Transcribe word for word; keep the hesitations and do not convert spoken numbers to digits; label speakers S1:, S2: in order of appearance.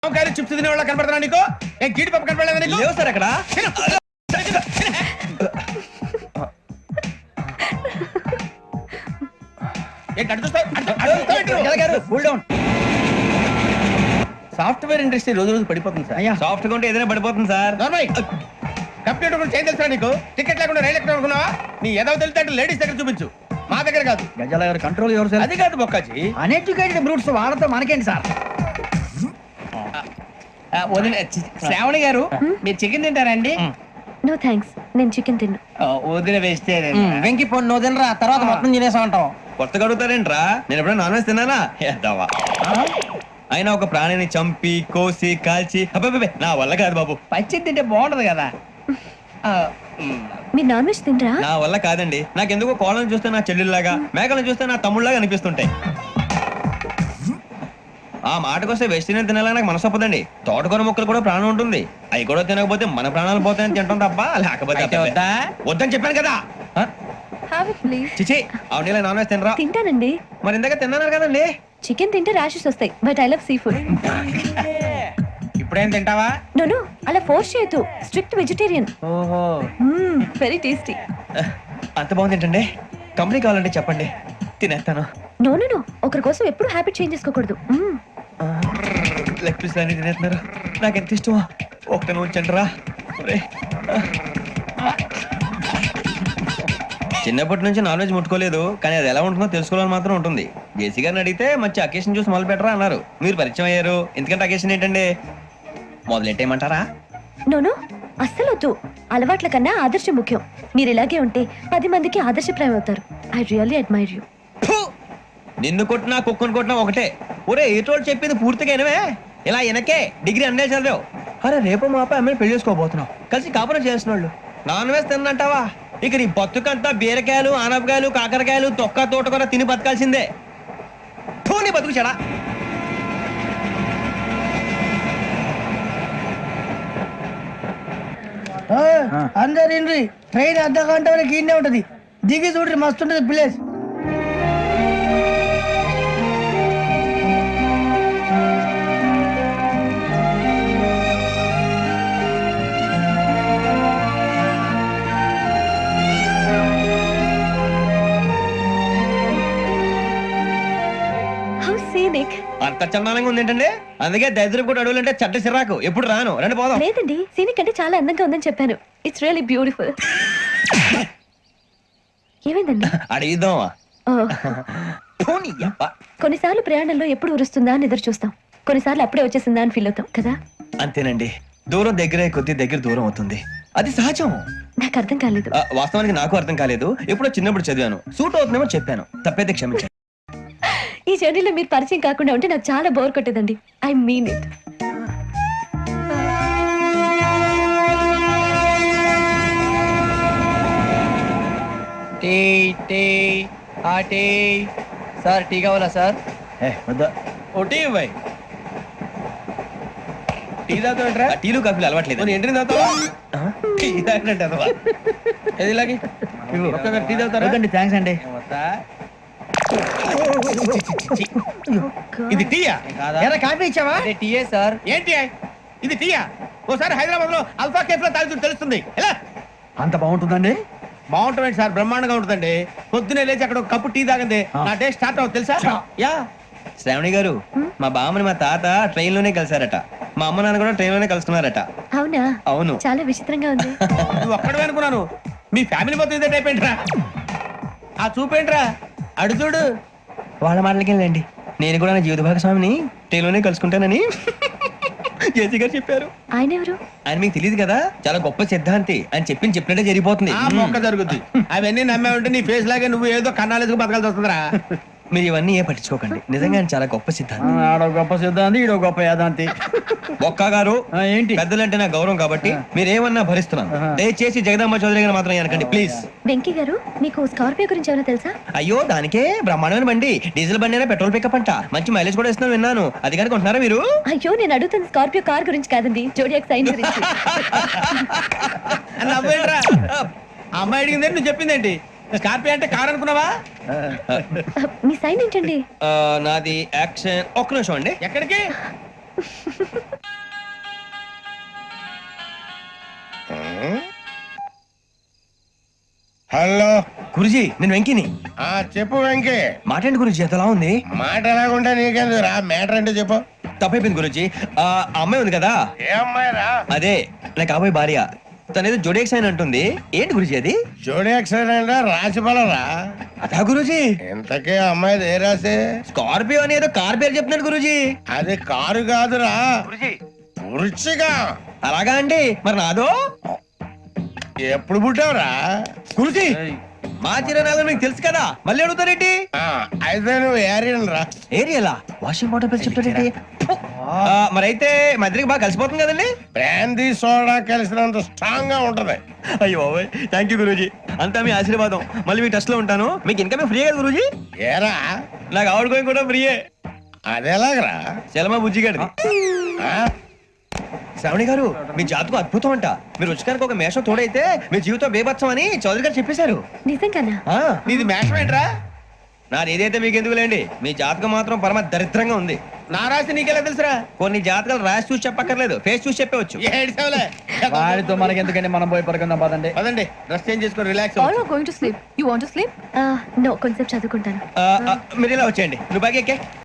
S1: Chips తినే వాళ్ళ కనపడుతున్నా నీకు? ఏం జీడి పప్పు కనపడలేదా నీకు?
S2: లేవు సార్ అక్కడ.
S1: సాఫ్ట్వేర్ ఇండస్ట్రీ రోజు రోజు పడిపోతుంది సార్.
S2: సాఫ్ట్ గా ఉంటే ఏదైనా పడిపోతుంది సార్.
S1: కంప్యూటర్ గురించి ఏం తెలుసా నీకు? టికెట్ లేకుండా రైలు ఎక్కడ అనుకున్నావా? నీ ఏదో తెలితే లేడీస్ దగ్గర చూపించు, మా దగ్గర కాదు.
S3: గజాల గారు కంట్రోల్ ఎవరు సార్?
S1: అది కాదు బొక్కాజీ,
S3: అన్ఎడ్యుకేటెడ్ బ్రూట్స్ వాళ్ళతో మనకేంటి సార్?
S2: శ్రావణి గారు మీరు చికెన్ తింటారా అండి?
S4: నో థ్యాంక్స్, నేను చికెన్ తిన్ను.
S2: వదిన వేస్తే
S3: వెంకి పొన్ను నువ్వు తినరా, తర్వాత మొత్తం తినేసా ఉంటాం.
S2: కొత్తగా అడుగుతారేంట్రా? నేను ఎప్పుడైనా నాన్ వెజ్ తిన్నానా? ఎద్దావా. అయినా ఒక ప్రాణిని చంపి కోసి కాల్చి అబ్బబ్బే నా వల్ల కాదు బాబు.
S3: పచ్చి తింటే బాగుంటది కదా.
S4: మీరు నాన్ వెజ్ తినరా?
S2: నా వల్ల కాదండి. నాకెందుకో కోళ్ళని చూస్తే నా చెల్లెల్లాగా, మేకలను చూస్తే నా తమ్ముళ్ళలాగా అనిపిస్తుంటాయి. ఆ మాటకొస్తే వెస్టిరియన్ తినాలని నాకు మనసు ఒప్పదండి. తోటకూర మొక్కలు కూడా ప్రాణం ఉంటుంది, అవి కూడా తినకపోతే మన ప్రాణాలు పోతాయని తింటాం తప్ప లేకపోతే వద్దని చెప్పాను కదా.
S4: Have it please.
S2: చిచి అవునీ నాన్ వెజ్ తినరా?
S4: తింటానండి.
S2: మరి ఇందాక తిన్నాను కదండి.
S4: చికెన్ తింటే ర్యాషెస్ వస్తాయి, but I love sea food.
S1: ఇప్పుడేం తింటావా?
S4: నో నో, అలా ఫోర్స్ చేయొద్దు. Strict vegetarian.
S2: ఓహో,
S4: వెరీ టేస్టీ.
S2: అంత బాగుంది ఏంటండి? కంపెనీ కావాలంటే చెప్పండి, తినేస్తాను.
S4: నో నో నో, ఒకరి కోసం ఎప్పుడు హ్యాబిట్ చేంజ్ చేసుకోకూడదు. మ్మ్.
S2: లెగ్ పీస్ అన్ని తినేస్తున్నారు, నాకు ఎంత ఇష్టమో. ఒకటి ఉంచండి రా. చిన్నప్పటి నుంచి నాన్ వెజ్ ముట్టుకోలేదు, కానీ అది ఎలా ఉంటుందో తెలుసుకోవాలని మాత్రం ఉంటుంది. జేసీ గారిని అడిగితే మంచి అకేషన్ చూసి మొదలు పెట్టరా అన్నారు. మీరు పరిచయం అయ్యారు, ఎందుకంటే అకేషన్ ఏంటండి? మొదలెట్టేయమంటారా?
S4: నో నో, అస్సలు వద్దు. అలవాట్ల కన్నా ఆదర్శం ముఖ్యం. మీరు ఇలాగే ఉంటే పది మందికి ఆదర్శప్రాయం అవుతారు. I really admire you.
S2: నిన్ను కొట్టినా కుక్కను కొట్టినా ఒకటే. ఒరే ఏటోళ్ళు చెప్పింది పూర్తిగా వినవే. ఇలా వెనకే డిగ్రీ అన్నే చదివావు. అరే రేపు మా అబ్బాయి అమ్మాయిని పెళ్లి చేసుకోబోతున్నావు, కలిసి కాపురం చేసిన వాళ్ళు నాన్ వేసి తిన్నంటావా? ఇక నీ బతుకంతా బీరకాయలు ఆనపకాయలు కాకరకాయలు తొక్క తోట కూడా తిని బతకాల్సిందే. నీ బతుకు చెడా.
S3: అందరు ఇండ్రి, ట్రైన్ అర్ధ గంట వరకు ఇన్నే ఉంటది. దిగి చూడ్రి, మస్తు ఉంటది ప్లేస్.
S4: How scenic.
S2: అంత చందానంగా ఉంది ఏంటండి? అందుకే దరిద్రం కూడా అడవులంటే చెడ్డ చిరాకు. ఎప్పుడు రాను, రండి పోదాం.
S4: లేదండి, సీనిక్ అంటే చాలా అందంగా ఉందని చెప్పాను. It's really beautiful. ఏమైందండి?
S2: అడిగిద్దామా?
S4: కొన్నిసార్లు ప్రయాణంలో ఎప్పుడు ఉరుస్తుందా అని ఎదురు చూస్తాం, కొన్నిసార్లు అప్పుడే వచ్చేసిందా అని ఫీల్ అవుతాం కదా.
S2: అంతేనండి, దూరం దగ్గరే కొద్ది దగ్గర దూరం అవుతుంది, అది సహజం.
S4: నాకు అర్థం కాలేదు.
S2: ఆ, వాస్తవానికి నాకు అర్థం కాలేదు. ఎప్పుడో చిన్నప్పుడు చదివాను, సూట్ అవుతుందేమో చెప్పాను, తప్పైతే క్షమించండి.
S4: ఈ జర్నీలో మీరు పరిచయం కాకుండా ఉంటే నాకు చాలా బోర్ కొట్టేదండి. I mean it.
S3: Tea tea ఆ టీ సార్, టీ కావాలా సార్?
S1: ఒకటి ఇవ్వాయి. టీ తాగుతాంట్రా?
S2: ఆ, టీలు కాఫీలు అలవాట్లేదు.
S1: ఎంట్రీ తాగుతావా? టీ తాగినట్టు అదవా? ఏది ఇలాగే ఒక్కొక్కరు టీ తాగుతారా?
S3: థ్యాంక్స్ అండి.
S1: ఇది టీయా?
S3: ఎరా కాఫీ ఇచ్చావా? టీయే సార్.
S1: ఏంటి ఇది టీయా? ఓసారి హైదరాబాద్ లో అల్ఫా కేఫ్ లో తాగుతూ తెలుస్తుంది. ఎలా
S3: అంత బాగుంటుందండి?
S1: బాగుంటుంది సార్, బ్రహ్మాండంగా ఉంటుందండి. పొద్దునే లేచి అక్కడ ఒక కప్పు టీ తాగండి, నా డే స్టార్ట్ అవుతుంది తెలుసా? యా.
S2: శ్రావణి గారు, మా బామ్మని మా తాత ట్రైన్ లోనే కలిసారట, మా అమ్మ నాన్న కూడా ట్రైన్ లోనే కలుసుకున్నారట.
S4: అవునా?
S2: అవును.
S4: చాలా విచిత్రంగా ఉంది.
S1: నువ్వు ఒక్కడే అనుకున్నాను, మీ ఫ్యామిలీ మొత్తం ఇదే టైప్ ఏంట్రా? ఆ చూపేంట్రా, అడు చూడు.
S2: వాళ్ళ మాటలకి వెళ్ళండి, నేను కూడా నా జీవిత భాగస్వామిని ట్రైన్ లోనే కలుసుకుంటానని జేసీ గారు చెప్పారు.
S4: ఆయన ఎవరు?
S2: ఆయన మీకు తెలియదు కదా, చాలా గొప్ప సిద్ధాంతి అని చెప్పి చెప్పినట్టే జరిగిపోతుంది.
S1: ఆ మొక్క జరుగుద్ది. అవన్నీ నమ్మే ఉంటే నీ ఫేస్ లాగే నువ్వు ఏదో కన్నాలేసుకు బతకాల్సి వస్తుందిరా.
S2: మీరు ఇవన్నీ ఏ పట్టించుకోకండి, నిజంగా ఆయన చాలా గొప్ప సిద్ధాంతి.
S3: ఆడో గొప్ప సిద్ధాంతి, ఈడో గొప్ప యాదాంతి.
S2: ఒక్క గారు
S3: ఏంటి?
S2: పెద్దలంటే నా గౌరవం కాబట్టి మీరు ఏమన్నా భరిస్తున్నాను. దయచేసి జగదాంబ చౌదరి గారు మాత్రం అనకండి ప్లీజ్.
S4: వెంకీ గారు, మీకు స్కార్పియో గురించి ఏమైనా తెలుసా?
S2: అయ్యో దానికే బ్రహ్మాండమైన బండి, డీజిల్ బండి అయినా పెట్రోల్ పికప్ అంట, మంచి మైలేజ్ కూడా ఇస్తున్నాను విన్నాను. అది కానీ కొంటున్నారా మీరు?
S4: అయ్యో, నేను అడుగుతుంది స్కార్పియో కార్ గురించి కాదండి, జోడియాక్ సైన్ గురించి.
S1: నవ్వేంట్రా? అమ్మాయి అడిగింది నువ్వు చెప్పిందేంటి? స్కార్పియో అంటే కార్ అనుకున్నావా?
S4: మీ సైన్ ఏంటండి?
S2: నాది యాక్షన్. ఒక్క నిమిషం అండి.
S1: ఎక్కడికి? హలో
S2: గురుజీ నేను వెంకిని.
S1: ఆ చెప్పు వెంకీ.
S2: మాటండి గురుజీ ఎంతలా ఉంది?
S1: మాట ఎలాగుంటా నీకెందుకు రా, మ్యాటర్ అంటే చెప్పు.
S2: తప్పైపోయింది గురుజీ. ఆ ఆ అమ్మాయి ఉంది కదా,
S1: ఏ అమ్మాయి రా?
S2: అదే నా కాబోయే భార్య. తనేదో జోడేక్స్ అని అంటుంది. ఏంటి గురుజీ అది?
S1: జోడి యాక్సిడెంట్ రాసి రా.
S2: అదా గురుజీ?
S1: ఇంతకే అమ్మాయిది ఏ రాసి?
S2: స్కార్పియో అని ఏదో కార్ పేరు చెప్తున్నాడు గురుజీ.
S1: అది కారు కాదురా, వృచ్చిగా.
S2: అలాగా అండి, మరి నాదో?
S1: ఎప్పుడు పుట్టావురా?
S2: గురుజీ మా చిరనాలు మీకు తెలుసు కదా, మళ్ళీ అడుగుతారేంటి?
S1: ఆ, అయితే నువ్వు ఏరియన్ రా.
S2: ఏరియలా? వాషింగ్ వాటర్ పేరు చెప్తారేంటి? ఆ, మరైతే మా ఇద్దరికి బాగా కలిసిపోతుంది కదండి.
S1: బ్రాందీ సోడా కలిసినంత స్ట్రాంగ్ గా ఉంటది.
S2: అయ్యో థ్యాంక్ యూ గురూజీ, అంతా మీ ఆశీర్వాదం. మళ్ళీ మీ టెస్ట్ లో ఉంటాను. మీకు ఇన్కమ్ ఫ్రీ కదా గురూజీ?
S1: ఏరా
S2: నాకు ఆవిడ గోయింగ్ కూడా ఫ్రీయే.
S1: అదెలాగరా?
S2: చలమా బుజ్జి గారి.
S1: ఆ?
S2: శ్రావణి గారు మీ జాతకు అద్భుతం అంట. మీరు రుచికానికి ఒక మేషం తోడైతే మీ జీవితం బేబత్సం అని చౌదరి గారు చెప్పేశారు.
S4: నిజంగానా?
S2: ఆ,
S1: నీది మ్యాచ్ ఏంట్రా?
S2: నాది ఏదైతే మీకు ఎందుకు లేండి, మీ జాతకం మాత్రం పరమ దరిద్రంగా ఉంది.
S1: నా రాసి నీకెలా తెలుసురా?
S2: కొన్ని జాతకాలు రాసి చూసి చెప్పక్కర్లేదు, ఫేస్ చూసి చెప్పవచ్చు.
S1: ఏడ్చావులే.
S3: వాడితో మనకి ఎందుకండి, మనం పోయి పడుకుందాం పదండి.
S1: పదండి, డ్రెస్ చేంజ్ చేసుకొని relax
S5: All are going to sleep. You want to sleep?
S4: No, కొంచెం చదువుకుంటాను.
S2: ఆ, ఆ, మీరు ఇలా వచ్చేయండి. నువ్వు బాగా ఎక్కే